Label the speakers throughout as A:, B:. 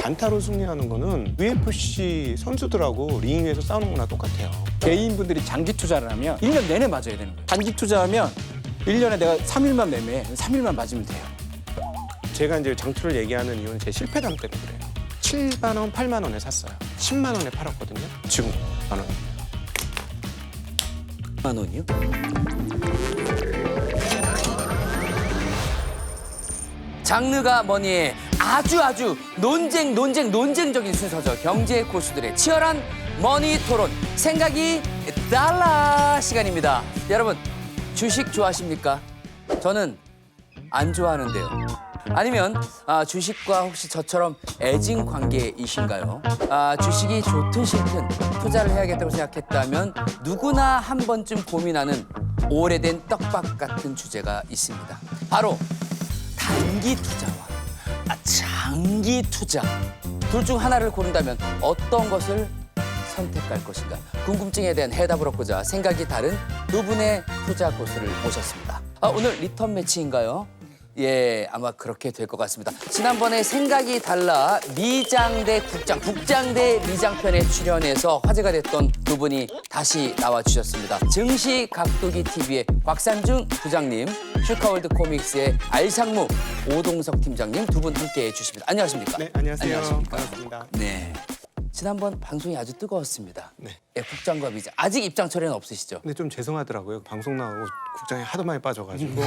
A: 단타로 승리하는 거는 UFC 선수들하고 링 위에서 싸우는 거나 똑같아요.
B: 개인분들이 장기 투자를 하면 1년 내내 맞아야 되는 거예요. 단기 투자하면 1년에 내가 3일만 매매해. 3일만 맞으면 돼요.
A: 제가 이제 장투를 얘기하는 이유는 제 실패담 때문에 그래요. 7만 원, 8만 원에 샀어요. 10만 원에 팔았거든요. 지금 만 원.
C: 10만 원이요? 장르가 뭐니 아주 논쟁적인 순서죠. 경제 고수들의 치열한 머니 토론 생각이 달라 시간입니다. 여러분 주식 좋아하십니까? 저는 안 좋아하는데요. 아니면 주식과 혹시 저처럼 애증 관계이신가요? 주식이 좋든 싫든 투자를 해야겠다고 생각했다면 누구나 한 번쯤 고민하는 오래된 떡밥 같은 주제가 있습니다. 바로 단기 투자와 장기 투자. 둘 중 하나를 고른다면 어떤 것을 선택할 것인가? 궁금증에 대한 해답을 얻고자 생각이 다른 두 분의 투자 고수를 모셨습니다. 오늘 리턴 매치인가요? 예, 아마 그렇게 될 것 같습니다. 지난번에 생각이 달라 미장 대 국장, 국장 대 미장 편에 출연해서 화제가 됐던 두 분이 다시 나와주셨습니다. 증시 각도기 TV의 곽산중 부장님, 슈카월드 코믹스의 알상무 오동석 팀장님 두 분 함께해 주십니다. 안녕하십니까?
A: 네, 안녕하세요.
C: 안녕하십니까?
A: 반갑습니다.
C: 네. 지난번 방송이 아주 뜨거웠습니다.
A: 네.
C: 예, 국장과 미장. 아직 입장 철회는 없으시죠?
A: 근데 좀 죄송하더라고요. 방송 나오고 국장이 하도 많이 빠져가지고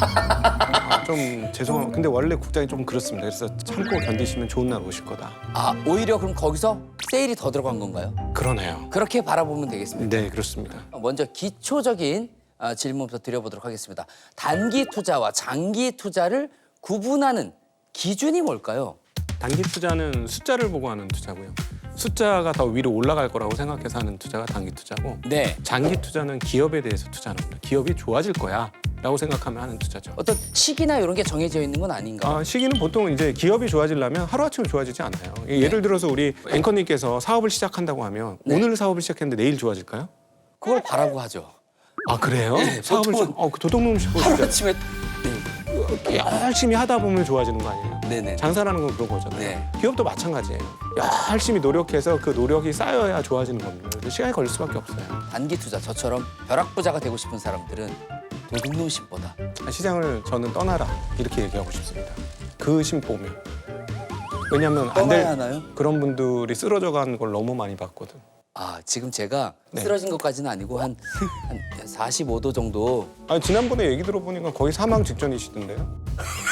A: 좀 죄송합니다. 근데 원래 국장이 좀 그렇습니다. 그래서 참고 견디시면 좋은 날 오실 거다.
C: 오히려 그럼 거기서 세일이 더 들어간 건가요?
A: 그러네요.
C: 그렇게 바라보면 되겠습니다.
A: 네, 그렇습니다.
C: 먼저 기초적인 질문부터 드려보도록 하겠습니다. 단기 투자와 장기 투자를 구분하는 기준이 뭘까요?
A: 단기 투자는 숫자를 보고 하는 투자고요. 숫자가 더 위로 올라갈 거라고 생각해서 하는 투자가 단기 투자고,
C: 네.
A: 장기 투자는 기업에 대해서 투자하는 겁니다. 기업이 좋아질 거야 라고 생각하면 하는 투자죠.
C: 어떤 시기나 이런 게 정해져 있는 건 아닌가요?
A: 시기는 보통 이제 기업이 좋아지려면 하루아침에 좋아지지 않아요. 예를 들어서 우리 앵커님께서 사업을 시작한다고 하면
C: 네.
A: 오늘 사업을 시작했는데 내일 좋아질까요?
C: 그걸 바라고 하죠.
A: 아, 그래요? 사업을
C: 보통은
A: 도둑놈식 보시죠.
C: 하루아침에
A: 열심히 하다 보면 좋아지는 거 아니에요?
C: 네네.
A: 장사라는 건 그런 거잖아요.
C: 네.
A: 기업도 마찬가지예요. 열심히 노력해서 그 노력이 쌓여야 좋아지는 겁니다. 그래서 시간이 걸릴 수밖에 없어요.
C: 단기 투자 저처럼 벼락부자가 되고 싶은 사람들은 도둑놈 심보다
A: 시장을 저는 떠나라 이렇게 얘기하고 싶습니다. 그 심보면. 왜냐하면 안
C: 떠나야
A: 될
C: 하나요?
A: 그런 분들이 쓰러져 가는 걸 너무 많이 봤거든.
C: 지금 제가
A: 네.
C: 쓰러진 것까지는 아니고 한 45도 정도.
A: 지난번에 얘기 들어보니까 거의 사망 직전이시던데요.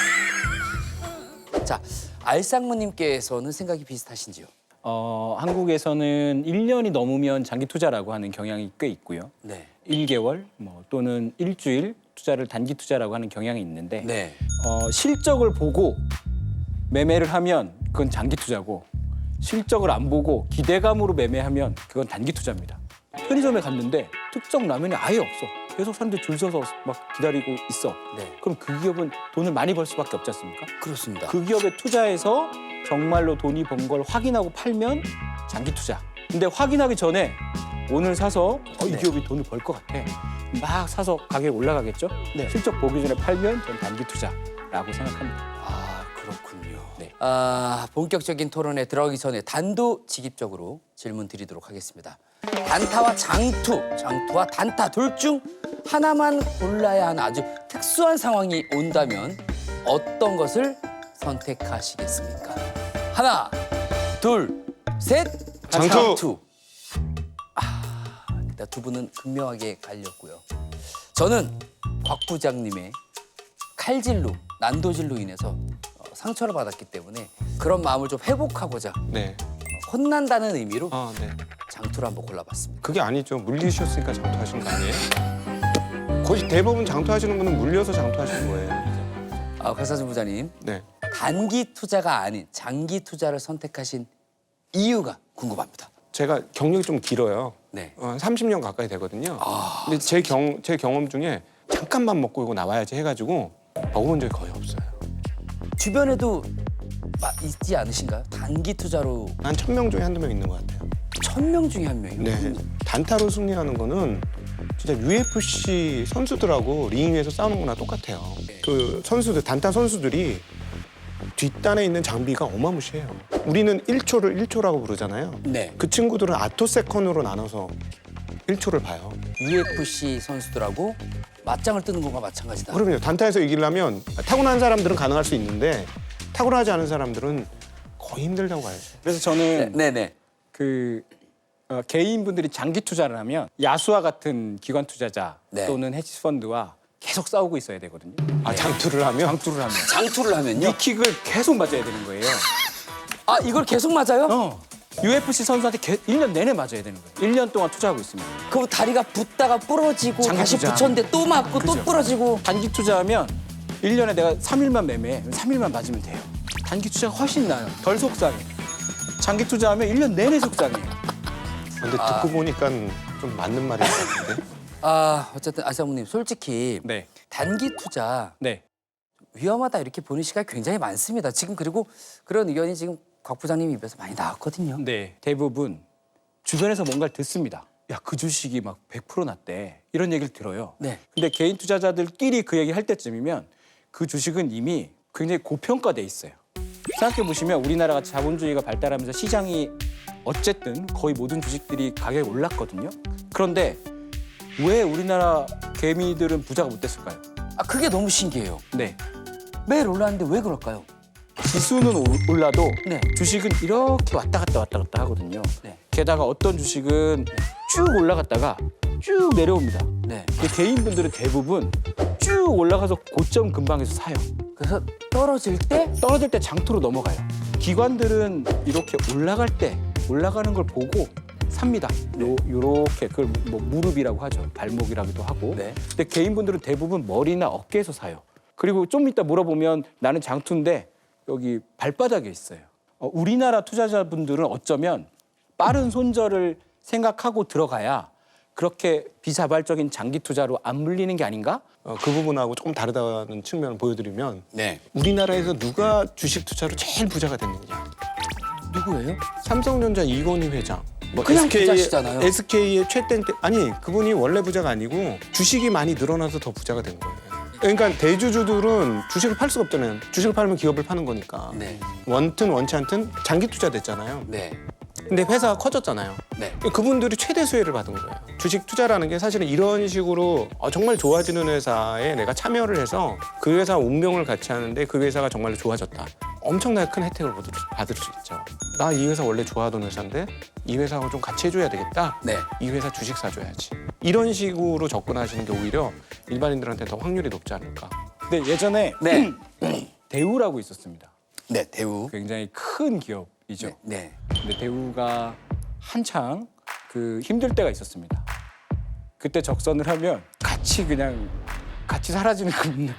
C: 자, 알상무님께서는 생각이 비슷하신지요?
B: 한국에서는 1년이 넘으면 장기 투자라고 하는 경향이 꽤 있고요.
C: 네.
B: 1개월 또는 일주일 투자를 단기 투자라고 하는 경향이 있는데
C: 네.
B: 실적을 보고 매매를 하면 그건 장기 투자고, 실적을 안 보고 기대감으로 매매하면 그건 단기 투자입니다. 편의점에 갔는데 특정 라면이 아예 없어. 계속 사람들이 줄 서서 막 기다리고 있어.
C: 네.
B: 그럼 그 기업은 돈을 많이 벌 수밖에 없지 않습니까?
C: 그렇습니다.
B: 그 기업에 투자해서 정말로 돈이 번 걸 확인하고 팔면 장기 투자. 근데 확인하기 전에 오늘 사서 이
C: 네.
B: 기업이 돈을 벌 것 같아. 막 사서 가격이 올라가겠죠?
C: 네.
B: 실적 보기 전에 팔면 전 단기 투자라고 생각합니다.
C: 그렇군요.
B: 네.
C: 본격적인 토론에 들어가기 전에 단도직입적으로 질문 드리도록 하겠습니다. 단타와 장투와 단타 둘 중 하나만 골라야 하는 아주 특수한 상황이 온다면 어떤 것을 선택하시겠습니까? 하나, 둘, 셋.
A: 장투!
C: 일단 두 분은 극명하게 갈렸고요. 저는 곽 부장님의 칼질로, 난도질로 인해서 상처를 받았기 때문에 그런 마음을 좀 회복하고자
A: 네.
C: 혼난다는 의미로
A: 네.
C: 장투를 한번 골라봤습니다.
A: 그게 아니죠. 물리셨으니까 장투하시는 거 아니에요? 거의 대부분 장투하시는 분은 물려서 장투하시는 거예요.
C: 곽사준 부장님,
A: 네.
C: 단기 투자가 아닌 장기 투자를 선택하신 이유가 궁금합니다.
A: 제가 경력이 좀 길어요.
C: 네.
A: 30년 가까이 되거든요. 근데 제 경험 중에 잠깐만 먹고 이거 나와야지 해가지고 먹어본 적이 거의 없어요.
C: 주변에도 있지 않으신가요? 단기 투자로
A: 한 1000명 중에 한두 명 있는 것 같아요.
C: 1000명 중에 한 명이요?
A: 네. 단타로 승리하는 거는 진짜 UFC 선수들하고 링 위에서 싸우는 거나 똑같아요. 그 선수들, 단타 선수들이 뒷단에 있는 장비가 어마무시해요. 우리는 1초를 1초라고 부르잖아요.
C: 네.
A: 그 친구들은 아토세컨으로 나눠서 1초를 봐요.
C: UFC 선수들하고 맞짱을 뜨는 것과 마찬가지다.
A: 그럼요. 단타에서 이기려면 타고난 사람들은 가능할 수 있는데 타고나지 않은 사람들은 거의 힘들다고 봐야죠.
B: 그래서 저는
C: 네네.
B: 개인분들이 장기 투자를 하면 야수와 같은 기관 투자자
C: 네.
B: 또는 헤지펀드와 계속 싸우고 있어야 되거든요.
A: 아, 장투를 하면?
B: 장투를 하면
C: 장투를 하면요.
B: 니킥을 계속 맞아야 되는 거예요.
C: 아 이걸 계속 맞아요?
B: UFC 선수한테 1년 내내 맞아야 되는 거예요. 1년 동안 투자하고 있습니다.
C: 그럼 다리가 붙다가 부러지고
B: 장기
C: 다시
B: 투자.
C: 붙였는데 또 맞고 또
B: 그죠.
C: 부러지고.
B: 단기 투자하면 1년에 내가 3일만 매매해. 3일만 맞으면 돼요. 단기 투자가 훨씬 나아요. 덜 속상해. 장기 투자하면 1년 내내 속상해요.
A: 근데 듣고 보니까 좀 맞는 말인 것 같은데.
C: 아 어쨌든 아사모님 솔직히
B: 네.
C: 단기 투자
B: 네.
C: 위험하다 이렇게 보는 시각이 굉장히 많습니다. 지금 그리고 그런 의견이 지금 곽 부장님 입에서 많이 나왔거든요.
B: 네. 대부분 주변에서 뭔가를 듣습니다. 야, 그 주식이 막 100% 났대. 이런 얘기를 들어요.
C: 네.
B: 근데 개인 투자자들끼리 그 얘기 할 때쯤이면 그 주식은 이미 굉장히 고평가돼 있어요. 생각해 보시면 우리나라가 자본주의가 발달하면서 시장이 어쨌든 거의 모든 주식들이 가격이 올랐거든요. 그런데 왜 우리나라 개미들은 부자가 못 됐을까요?
C: 아 그게 너무 신기해요.
B: 네.
C: 매일 올랐는데 왜 그럴까요?
B: 지수는 올라도
C: 네.
B: 주식은 이렇게 왔다 갔다 하거든요.
C: 네.
B: 게다가 어떤 주식은 쭉 올라갔다가 쭉 내려옵니다.
C: 네.
B: 근데 개인분들은 대부분 쭉 올라가서 고점 근방에서 사요.
C: 그래서 떨어질 때
B: 떨어질 때 장투로 넘어가요. 기관들은 이렇게 올라갈 때 올라가는 걸 보고 삽니다. 요렇게 그걸 뭐 무릎이라고 하죠. 발목이라고도 하고.
C: 네.
B: 근데 개인분들은 대부분 머리나 어깨에서 사요. 그리고 좀 이따 물어보면 나는 장투인데 여기 발바닥에 있어요. 우리나라 투자자분들은 어쩌면 빠른 손절을 생각하고 들어가야 그렇게 비자발적인 장기 투자로 안 물리는 게 아닌가?
A: 그 부분하고 조금 다르다는 측면을 보여드리면
C: 네.
A: 우리나라에서 누가 주식 투자로 제일 부자가 됐느냐.
C: 누구예요?
A: 삼성전자 이건희 회장. 뭐
C: 그냥 부자시잖아요.
A: SK의 최땡 때 아니 그분이 원래 부자가 아니고 주식이 많이 늘어나서 더 부자가 된 거예요. 그러니까 대주주들은 주식을 팔 수가 없잖아요. 주식을 팔면 기업을 파는 거니까.
C: 네.
A: 원튼 원치 않든 장기 투자 됐잖아요.
C: 네.
A: 근데 회사가 커졌잖아요.
C: 네.
A: 그분들이 최대 수혜를 받은 거예요. 주식 투자라는 게 사실은 이런 식으로 정말 좋아지는 회사에 내가 참여를 해서 그 회사 운명을 같이 하는데 그 회사가 정말로 좋아졌다. 엄청나게 큰 혜택을 받을 수 있죠. 나 이 회사 원래 좋아하던 회사인데 이 회사하고 좀 같이 해줘야 되겠다.
C: 네.
A: 이 회사 주식 사줘야지. 이런 식으로 접근하시는 게 오히려 일반인들한테 더 확률이 높지 않을까.
B: 근데 예전에
C: 네.
B: 대우라고 있었습니다.
C: 네. 대우.
B: 굉장히 큰 기업이죠.
C: 네.
B: 근데 대우가 한창 그 힘들 때가 있었습니다. 그때 적선을 하면 같이 사라지는 겁니다.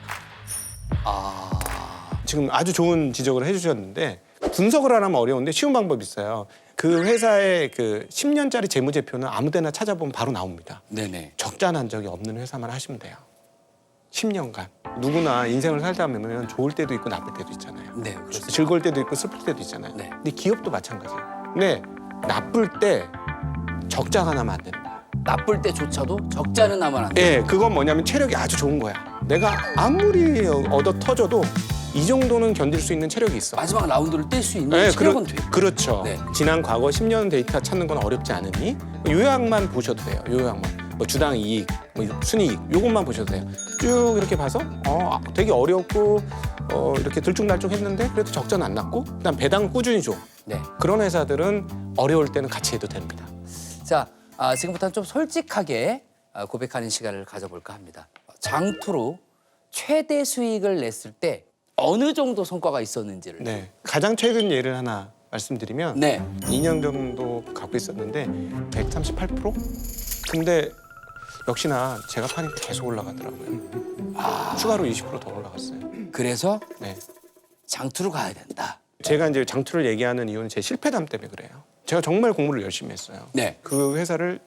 C: 아.
A: 지금 아주 좋은 지적을 해주셨는데 분석을 하려면 어려운데 쉬운 방법이 있어요. 그 회사의 그 10년짜리 재무제표는 아무데나 찾아보면 바로 나옵니다.
C: 네네.
A: 적자 난 적이 없는 회사만 하시면 돼요. 10년간. 누구나 인생을 살다 보면 좋을 때도 있고 나쁠 때도 있잖아요.
C: 네. 그렇습니다.
A: 즐거울 때도 있고 슬플 때도 있잖아요.
C: 네.
A: 근데 기업도 마찬가지예요. 근데 나쁠 때 적자가 나면 안 된다.
C: 나쁠 때조차도 적자는 나면 안 돼.
A: 예, 그건 뭐냐면 체력이 아주 좋은 거야. 내가 아무리 얻어 터져도 이 정도는 견딜 수 있는 체력이 있어.
C: 마지막 라운드를 뗄 수 있는
A: 네,
C: 체력은 돼.
A: 그렇죠.
C: 네.
A: 지난 과거 10년 데이터 찾는 건 어렵지 않으니 요약만 보셔도 돼요. 요약만. 뭐 주당 이익, 뭐 순이익 요것만 보셔도 돼요. 쭉 이렇게 봐서 되게 어렵고 이렇게 들쭉날쭉했는데 그래도 적자는 안 났고 그다음 배당 꾸준히 줘.
C: 네.
A: 그런 회사들은 어려울 때는 같이 해도 됩니다.
C: 자, 지금부터는 좀 솔직하게 고백하는 시간을 가져볼까 합니다. 장투로 최대 수익을 냈을 때 어느 정도 성과가 있었는지를.
A: 네. 가장 최근 예를 하나 말씀드리면
C: 네.
A: 2년 정도 갖고 있었는데 138%? 근데 역시나 제가 파니까 계속 올라가더라고요. 추가로 20% 더 올라갔어요.
C: 그래서
A: 네.
C: 장투로 가야 된다.
A: 제가 이제 장투를 얘기하는 이유는 제 실패담 때문에 그래요. 제가 정말 공부를 열심히 했어요.
C: 네.
A: 그 회사를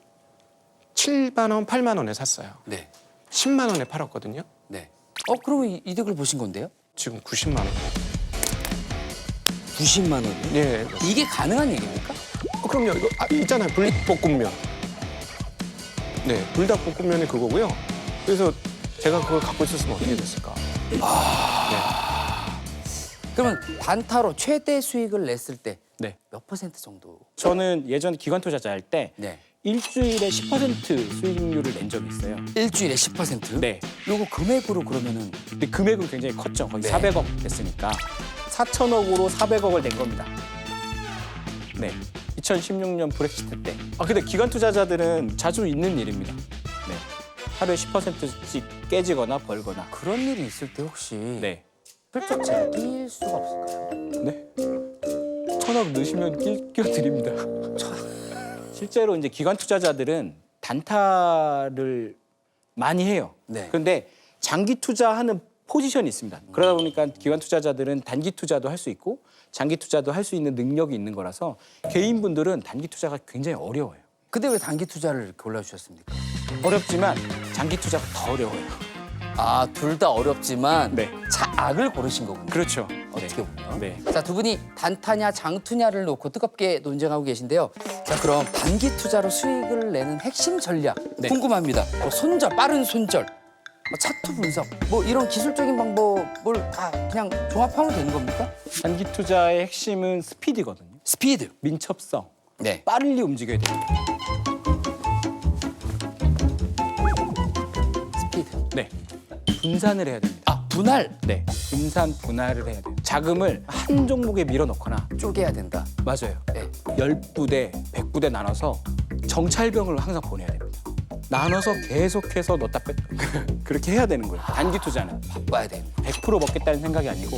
A: 7만 원, 8만 원에 샀어요.
C: 네.
A: 10만 원에 팔았거든요.
C: 네. 그러면 이득을 보신 건데요?
A: 지금 90만 원.
C: 90만 원.
A: 예.
C: 이게 가능한 얘기입니까?
A: 그럼요. 이거 있잖아요. 불닭볶음면. 네, 불닭볶음면이 그거고요. 그래서 제가 그걸 갖고 있었으면 어떻게 됐을까?
C: 그러면 단타로 최대 수익을 냈을 때 몇
B: 네.
C: 퍼센트 정도?
B: 저는 예전 기관 투자자 할 때
C: 네.
B: 일주일에 10% 수익률을 낸 적이 있어요.
C: 일주일에 10%?
B: 네.
C: 요거 금액으로 그러면은
B: 근데 금액은 굉장히 컸죠. 거의
C: 네.
B: 400억 됐으니까 4천억으로 400억을 낸 겁니다. 네. 2016년 브렉시트 때. 근데 기관 투자자들은 자주 있는 일입니다. 네. 하루에 10%씩 깨지거나 벌거나.
C: 그런 일이 있을 때 혹시
B: 네.
C: 슬쩍 제가 낄 수가 없을까요?
B: 네. 1,000억 넣으시면 끼워드립니다. 실제로 이제 기관 투자자들은 단타를 많이 해요.
C: 네.
B: 그런데 장기 투자하는 포지션이 있습니다. 그러다 보니까 기관 투자자들은 단기 투자도 할 수 있고 장기 투자도 할 수 있는 능력이 있는 거라서 개인분들은 단기 투자가 굉장히 어려워요.
C: 근데 왜 단기 투자를 골라주셨습니까?
B: 어렵지만 장기 투자가 더 어려워요.
C: 아, 둘 다 어렵지만
B: 네.
C: 차악을 고르신 거군요.
B: 그렇죠.
C: 어떻게 보면.
B: 네.
C: 자, 두 분이 단타냐 장투냐를 놓고 뜨겁게 논쟁하고 계신데요. 자, 그럼 단기 투자로 수익을 내는 핵심 전략
B: 네.
C: 궁금합니다. 뭐 손절, 빠른 손절, 뭐 차트 분석, 뭐 이런 기술적인 방법을 다 그냥 종합하면 되는 겁니까?
B: 단기 투자의 핵심은 스피드거든요.
C: 스피드.
B: 민첩성.
C: 네.
B: 빠르게 움직여야 됩니다.
C: 스피드.
B: 네. 분산을 해야 됩니다.
C: 아, 분할.
B: 네. 분할을 해야 돼요. 자금을 한 종목에 밀어넣거나
C: 쪼개야 된다.
B: 맞아요.
C: 네.
B: 10부대, 100부대 나눠서 정찰병을 항상 보내야 됩니다. 나눠서 계속해서 넣다 뺐 그렇게 해야 되는 거예요. 단기 투자는
C: 바빠야 되는 거.
B: 100% 먹겠다는 생각이 아니고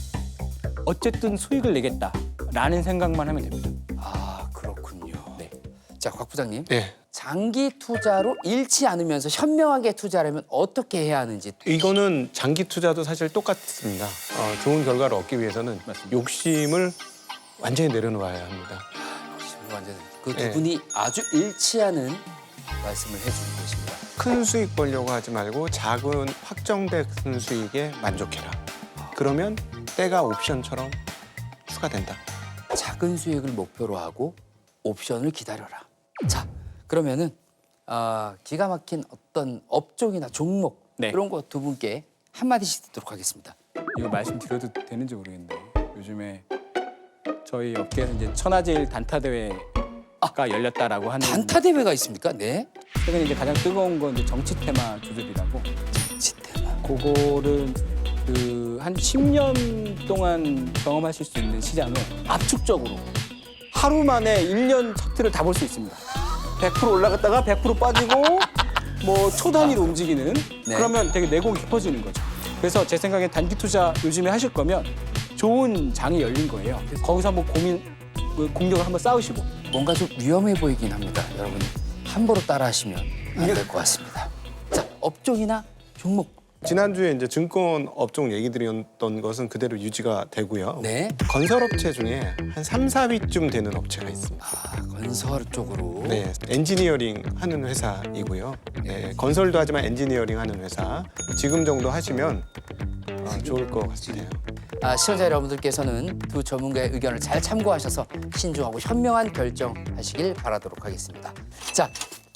B: 어쨌든 수익을 내겠다라는 생각만 하면 됩니다.
C: 아, 그렇군요.
B: 네.
C: 자, 곽 부장님.
A: 네.
C: 장기 투자로 잃지 않으면서 현명하게 투자하려면 어떻게 해야 하는지.
A: 이거는 장기 투자도 사실 똑같습니다. 좋은 결과를 얻기 위해서는
B: 맞습니다.
A: 욕심을 완전히 내려놓아야 합니다.
C: 완전 그 두
A: 네.
C: 분이 아주 일치 않은 말씀을 해주는 것입니다.
A: 큰 수익 벌려고 하지 말고 작은 확정된 수익에 만족해라. 그러면 때가 옵션처럼 추가된다.
C: 작은 수익을 목표로 하고 옵션을 기다려라. 자, 그러면은 기가 막힌 어떤 업종이나 종목
B: 네.
C: 이런 거 두 분께 한마디씩 듣도록 하겠습니다.
B: 이거 말씀드려도 되는지 모르겠는데 요즘에 저희 업계에서 이제 천하제일 단타 대회가 열렸다라고 하는
C: 단타 대회가 있습니까? 네.
B: 최근에 이제 가장 뜨거운 건 이제 정치 테마 조절이라고
C: 지테마.
B: 그거를 한 10년 동안 경험하실 수 있는 시장을 압축적으로 하루 만에 1년 차트를 다 볼 수 있습니다. 100% 올라갔다가 100% 빠지고 뭐 초단위로 움직이는
C: 네.
B: 그러면 되게 내공이 깊어지는 거죠. 그래서 제 생각에 단기 투자 요즘에 하실 거면 좋은 장이 열린 거예요. 거기서 한번 공격을 한번 싸우시고
C: 뭔가 좀 위험해 보이긴 합니다. 여러분 함부로 따라하시면 안 될 것 같습니다. 자, 업종이나 종목.
A: 지난주에 이제 증권 업종 얘기 드렸던 것은 그대로 유지가 되고요.
C: 네.
A: 건설업체 중에 한 3, 4위쯤 되는 업체가 있습니다.
C: 건설 쪽으로.
A: 네, 엔지니어링 하는 회사이고요. 네, 건설도 하지만 엔지니어링 하는 회사. 지금 정도 하시면 좋을 것 같아요.
C: 시청자 여러분들께서는 두 전문가의 의견을 잘 참고하셔서 신중하고 현명한 결정하시길 바라도록 하겠습니다. 자,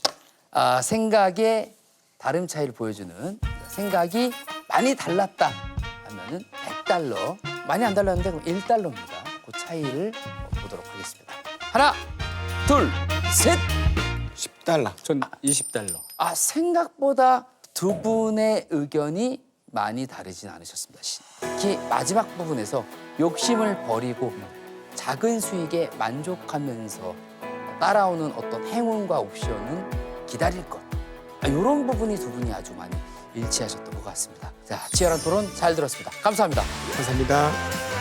C: 생각의 다름 차이를 보여주는 생각이 많이 달랐다 하면은 100달러, 많이 안 달랐는데 그럼 1달러입니다. 그 차이를 보도록 하겠습니다. 하나, 둘, 셋.
A: 10달러.
B: 전 20달러.
C: 생각보다 두 분의 의견이 많이 다르진 않으셨습니다. 특히 마지막 부분에서 욕심을 버리고 작은 수익에 만족하면서 따라오는 어떤 행운과 옵션은 기다릴 것. 이런 부분이 두 분이 아주 많이 일치하셨던 것 같습니다. 자, 치열한 토론 잘 들었습니다. 감사합니다.
A: 감사합니다.